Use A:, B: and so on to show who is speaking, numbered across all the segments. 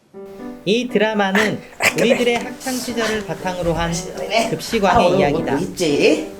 A: 이 드라마는 우리들의 학창 시절을 바탕으로 한 급식왕의 이야기다.
B: 뭐 있지?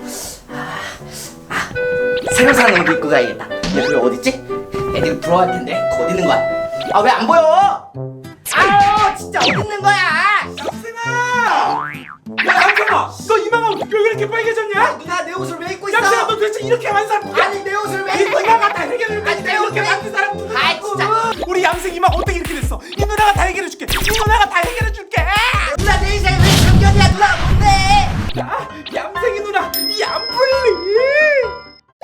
B: 새로 사는 옷 입고 가야겠다. 야, 그게 어딨지? 애들이 부러워할 텐데. 그거 어디 있는 거야? 아, 왜 안 보여? 아유, 진짜 어디 있는 거야?
C: 얌생아! 야, 얌생아! 너 이마가 왜 이렇게 빨개졌냐?
B: 누나 내 옷을 왜 입고 있어?
C: 얌생아, 너 도대체 이렇게 한 사람 누구야?
B: 아니, 내 옷을 왜
C: 이
B: 입고 있어?
C: 누나가 달걀을
B: 아니, 내
C: 이렇게
B: 옷을
C: 만든 사람 누구야?
B: 아이, 진짜.
C: 우리 얌생 이마 어떻게 이렇게 됐어? 이 누나가 다 해결해 줄게. 이 누나가 다 해결해 줄게.
B: 누나 내 인생에 왜 참견이야? 누나 뭔데?
C: 야, 얌생이 누나 이 안 풀리.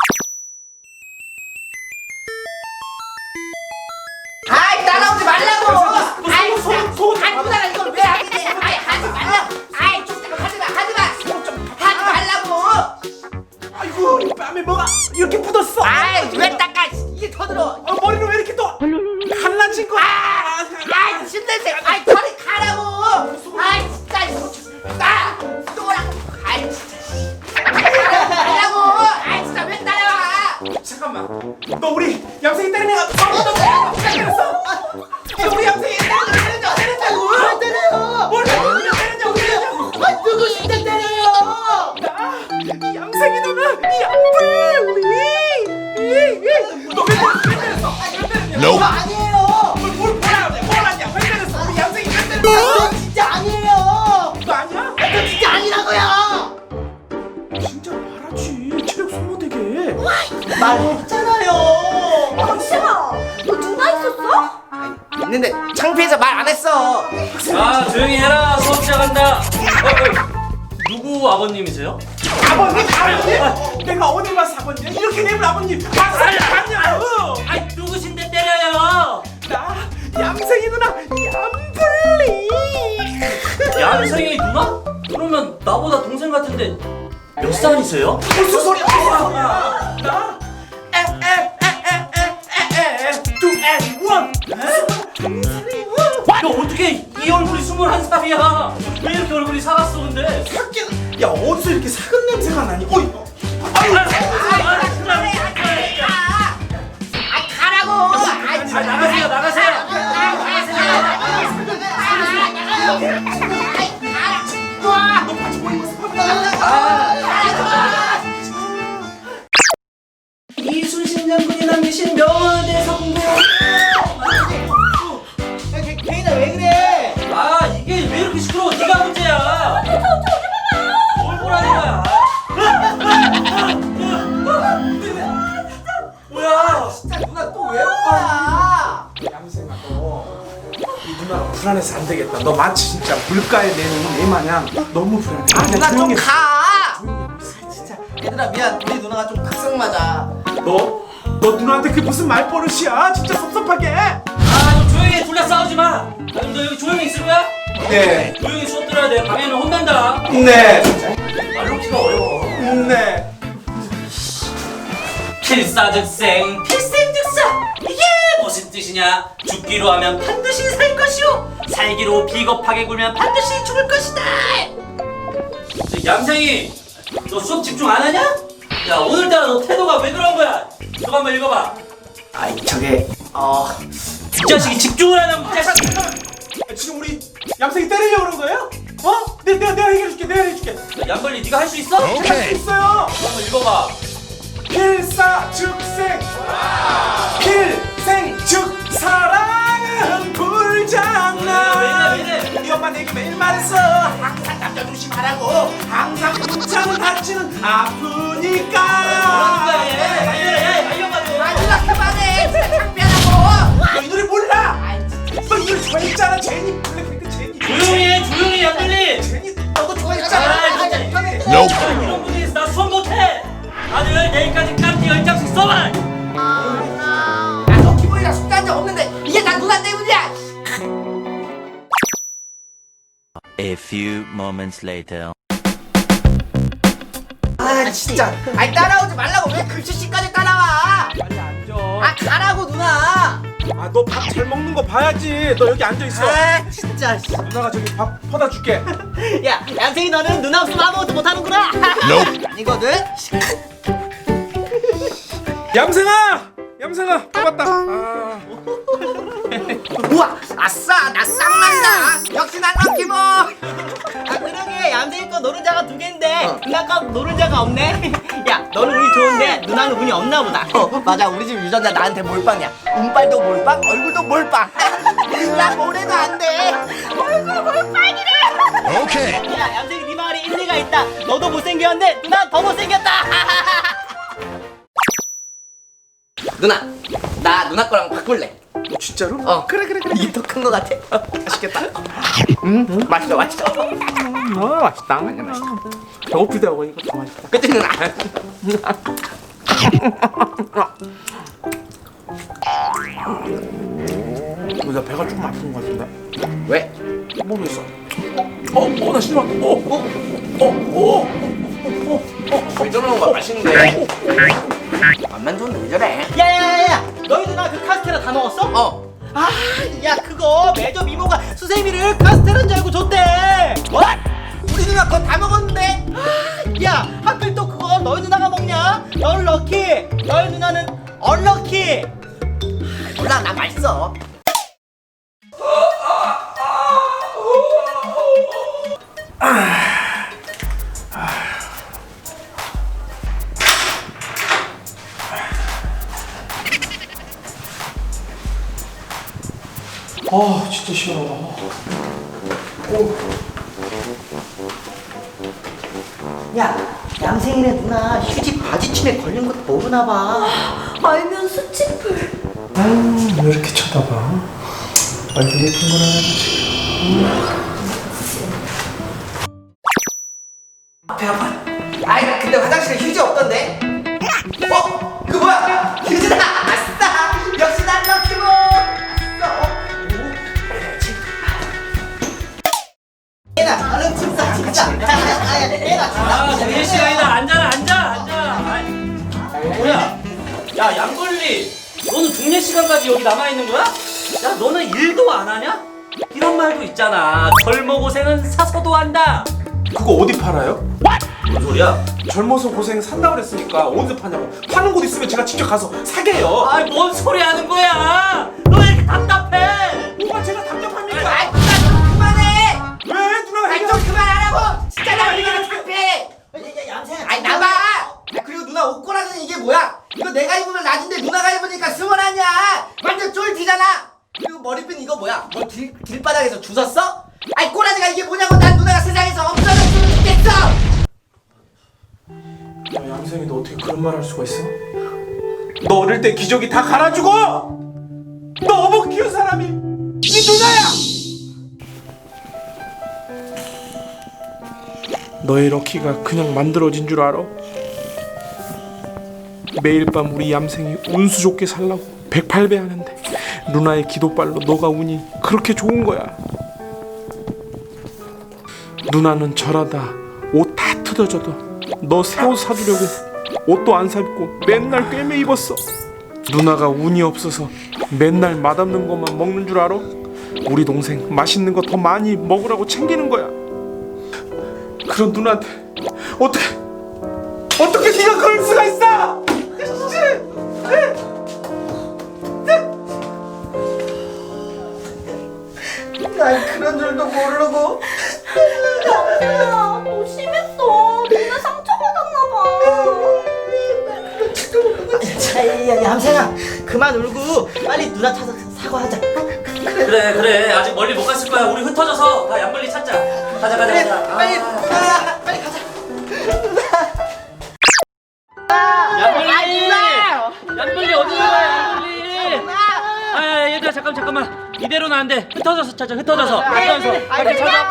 B: 아이, 따라오지 말라고! 아이, 진짜.
C: 속옷 좀
B: 아이, 누나가 이걸 왜 하게 돼? 아이, 하지 말라고! 아이, 좀 하지 마, 하지 마! 하지 말라고!
C: 아이고, 뺨에 뭐가 이렇게 묻었어?
B: 아이, 왜 닦아? 이게 더 들어!
C: 머리는 왜 이렇게 또 갈라진 거야?
B: 아이, 침냄새! 아이, 저리 가라고! 아이, 진짜! 나! 또라고! 아이, 진짜! 가라고! 아이, 진짜 왜 따라와!
C: 잠깐만, 너 우리 얌생이 때리는 애가 너 때렸어? 너 우리 얌생이 때린다고?
B: 뭘 때려요!
C: 뭘 때리냐고?
B: 아, 누구 진짜 때려요!
C: 이 얌생이 누나 이 얌생 우리 너왜 때렸어? 왜 때렸냐?
B: 저 아니에요!
C: 뭘 하냐? 왜 때렸어? 우리 얌생이 왜
B: 저
C: 때렸어?
B: 진짜 아니에요!
C: 너 아니야?
B: 저 진짜 아니라고요!
C: 진짜 말하지. 체력 소모되게.
B: 말했잖아요!
D: 잠시만, 너 누나 있었어?
B: 있는데 창피해서 말 안 했어!
E: 자, 조용히 해라. 수업 시작한다. 누구 아버님이세요?
C: 아버님? 내가 어디 가서 아버님? 이렇게 되면 아버님 맞냐?
E: 아이, 누구신데 때려요?
C: 나 얌생이 누나 얌블리.
E: 얌생이 누나? 그러면 나보다 동생 같은데 몇 살이세요?
C: 무슨 소리야? 나 two and one.
E: 야, 어떻게 이 얼굴이 21살이야? 왜 이렇게 얼굴이 살았어, 근데?
C: 야, 어디서 이렇게 사근 냄새가 나니? 어이.
B: 가라고!
E: 나가세요, 나가세요. 이순신 장군이 남기신 명언에 대해서 공부.
B: 개인아 왜 그래?
E: 아, 이게 왜 이렇게 시끄러워? 네가 문제야. 뭘 보라는 거야? 뭐야?
B: 진짜 누나 또 왜 온 거야?
C: 얌생아, 너이 누나가 불안해서 안 되겠다. 너 마치 진짜 물가에 내놓은 애 마냥 너무 불안해.
B: 누나 좀
C: 조용히 해.
B: 가! 진짜 얘들아 미안 우리 누나가 좀 각성 맞아
C: 너 누나한테 그게 무슨 말버릇이야? 진짜 섭섭하게.
E: 아, 너 조용히 해. 둘다 싸우지 마. 그럼 너 여기 조용히 있을 거야?
C: 네.
E: 조용히 수업 들어야 돼. 방해는 혼난다.
C: 네.
E: 말 놓기가 어려워.
C: 네.
E: 필사즉생, 필생즉사. 이게 무슨 뜻이냐? 죽기로 하면 반드시 살 것이요, 살기로 비겁하게 굴면 반드시 죽을 것이다. 얌생이, 너 수업 집중 안 하냐? 야, 오늘따라 너 태도가 왜 그런 거야? 이거 한번 읽어봐.
B: 아이 저게
E: 이 자식이 집중을 안 하면 이 자식.
C: 지금 우리 얌생이 때리려고 그런 거예요? 어? 내가 해결해줄게. 내가 해줄게.
E: 양벌리, 네가 할 수 있어?
C: 할 수 있어요.
E: 한번 읽어봐.
C: 필사즉생. 필생 즉 사랑은 불장난.
E: 왜 이래?
C: 우리 엄마 내게 매일 말했어. 항상 남자 조심하라고. 항상 붙잡고 다치는 아프니까.
E: 뭐라는 거야 얘? 말려라, 말려가지고.
B: 아 누나 그만해 진짜 창피하다고
C: 너 이 노래 몰라?
B: 아이 진짜
C: 너 이 노래 좋아했잖아. 제니 블랙핑크 제니.
E: 조용히 해, 조용히 양벌리.
C: 제니.
B: 너도
E: 아,
B: 좋아했잖아
E: 진짜. 이런 분위기에서 나 수업 못해. 다들 내일까지 깜찍 10장씩 써봐.
B: 야너 기본이랑 숙제 한 적 없는데 이게 다 누나 때문이야
F: A few moments later.
B: 아 진짜 아이 따라오지 말라고 왜 글씨씨까지 따라와
C: 빨리 앉아.
B: 아 가라고 누나
C: 아, 너 밥 잘 먹는 거 봐야지. 너 여기 앉아 있어.
B: 아 진짜
C: 누나가 저기 밥 퍼다 줄게.
B: 야 얌생이 너는 누나 없으면 아무것도 못하는구나 아니거든
C: 얌생아, 또 왔다. 아.
B: 우와 아싸 나 쌍난다. 역시 난 럭키보.
A: 아 그러게 얌생이 거 노른자가 2개인데 누나 거 노른자가 없네. 야 너는 운이 좋은데 누나는 운이 없나 보다.
B: 맞아 우리 집 유전자 나한테 몰빵이야. 운빨도 몰빵 얼굴도 몰빵. 나 뭐래도 안돼. 얼굴 몰빵이래.
A: 야 얌생이 네 말이 일리가 있다. 너도 못생겼는데 누나 더 못생겼다.
B: 누나 나 누나 거랑 바꿀래.
C: 진짜로?
B: 그래 이게 더 큰 거 같아. 맛있겠다. 맛있어
C: 맛있다. 배고프다 보니까 더 맛있다.
B: 그치 누나.
C: 나 배가 조금 아픈 것 같은데.
B: 왜?
C: 모르겠어. 나 싫어.
B: 왜 저러는 거야? 맛있는데. 맛만 좋은데 왜 저래?
A: 야야야야 너희 누나 그 카스테라 다 먹었어? 아 야 그거 매점 이모가 수세미를 카스테라인 줄 알고 줬대.
B: 뭐? 우리 누나 거 다 먹었는데?
A: 야 하필 또 그거 너희 누나가 먹냐? 넌 럭키 너희 누나는 얼럭키.
B: 몰라 나 맛있어.
C: 진짜 싫어.
A: 야 얌생이네 누나 휴지 바지춤에 걸린 것도 모르나 봐.
D: 알면 수치풀.
C: 왜 이렇게 쳐다봐? 완전 예쁜 거라
B: 배 아파. 아이 근데 화장실에 휴지 없던데? 그 뭐야? 휴지다. 아싸. 역시 난 럭키보.
A: 얘나 얼른 침사 침사. 얘나
E: 정신 시간이다. 앉아. 뭐야? 야 양걸리, 너는 중례 시간까지 여기 남아 있는 거야? 야 너는 일도 안 하냐? 이런 말도 있잖아. 젊어 고생은 사서도 한다.
C: 그거 어디 팔아요?
E: 뭔 소리야?
C: 젊어서 고생 산다고 그랬으니까 어디서 파냐고. 파는 곳 있으면 제가 직접 가서 사게요.
E: 아이 뭔 소리 하는 거야? 너 왜 이렇게 답답해?
C: 뭐가 제가 답답합니까?
B: 아이 누나 그만해.
C: 왜 누나가
B: 아이 좀 그만하라고. 진짜 나 이게 창피해.
A: 얌생아
B: 아이 나봐. 그리고 누나 옷꼬라지는 이게 뭐야? 이거 내가 입으면 낮은데 누나가 입으니까 스멀하냐? 완전 쫄티잖아. 그리고 머리핀 이거 뭐야? 뭐 길바닥에서 주웠어? 아이 꼬라지가 이게 뭐냐고. 난 누나가 세상에서 없어졌으면 좋겠어.
C: 야, 얌생이 너 어떻게 그런 말 할 수가 있어? 너 어릴 때 기저귀 다 갈아주고 너 어복 키운 사람이 이 누나야! 너의 럭키가 그냥 만들어진 줄 알아? 매일 밤 우리 얌생이 운수 좋게 살라고 108배 하는데 누나의 기도발로 너가 운이 그렇게 좋은 거야. 누나는 절하다 옷 다 뜯어져도 너 새 옷 사주려고 옷도 안 사입고 맨날 꿰매 입었어. 누나가 운이 없어서 맨날 맛없는 것만 먹는 줄 알아? 우리 동생 맛있는 거 더 많이 먹으라고 챙기는 거야. 그런 누나한테 어떻게 네가 그럴 수가 있어?
B: 난 그런 줄도 모르고.
D: 야, 너 심했어. 누나 상처받았나 봐.
A: 야 얌생아 그만 울고 빨리 누나 찾아서 사과하자.
E: 그래 아직 멀리 못 갔을 거야. 우리 흩어져서 다 양걸리 찾자. 가자.
A: 빨리
E: 아.
A: 빨리 가자.
E: 양걸리 어디 나가? 양걸리. 아 얘들아 잠깐만. 이대로는 안 돼. 흩어져서 찾아. 흩어져서. 빨리 찾아.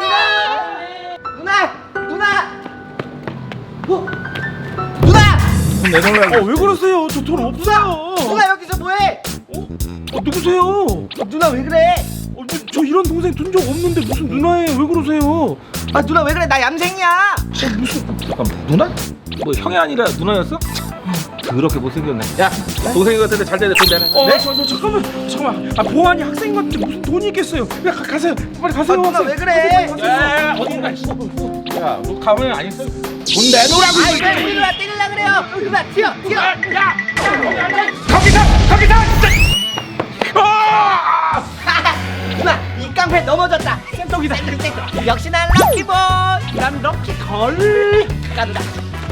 B: 누나.
C: 왜 그러세요? 저 돈 없어요.
B: 누나 여기서 뭐해?
C: 누구세요?
B: 누나 왜 그래?
C: 저 이런 동생 둔 적 없는데 무슨 누나예요? 왜 그러세요?
B: 아 누나 왜 그래? 나 얌생이야.
G: 잠깐만 누나? 뭐 형이 아니라 누나였어? 그렇게 못생겼네. 야 동생이 같은데 잘 되네 돈 내놔.
C: 네? 잠깐만. 아 보안이 학생 같은데 무슨 돈이 있겠어요? 그냥 가세요. 빨리 가세요.
B: 누나 왜 그래?
G: 야 어딘가 야너 가만히 안 있어? 돈 내놓으라고.
B: 아이 왜 우리 누나 때리려 그래요? 누나 튀어.
C: 거기서!
B: 누나 이 깡패 넘어졌다. 센통이다. 역시 난 럭키보이. 난 럭키걸. 가 누나.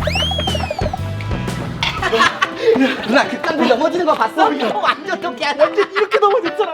B: 누나 그 깡패 넘어지는 거 봤어? 완전 통쾌하다. 완전 이렇게 넘어졌잖아.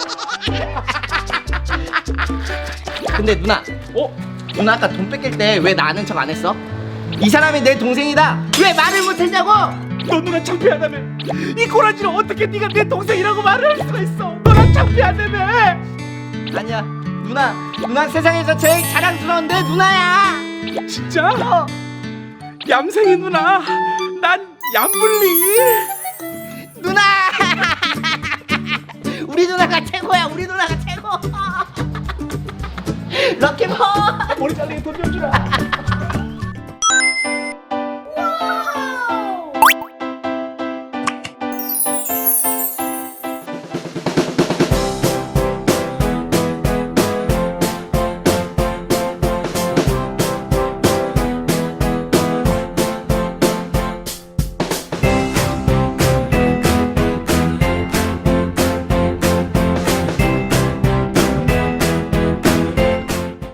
B: 근데 누나, 누나 아까 돈 뺏길 때 왜 나 아는 척 안 했어? 이 사람이 내 동생이다. 왜 말을 못했냐고?
C: 너 누나 창피하다며. 이 꼬라지를 어떻게 네가 내 동생이라고 말을 할 수가 있어. 너랑 창피하다며.
B: 아니야, 누나 세상에서 제일 자랑스러운데 누나야.
C: 진짜? 얌생이 누나, 난 얌블리.
B: 누나. 우리 누나가 최고야. 우리 누나가 최고. 럭키보이.
C: 머리 잘리게 돈 좀 주라.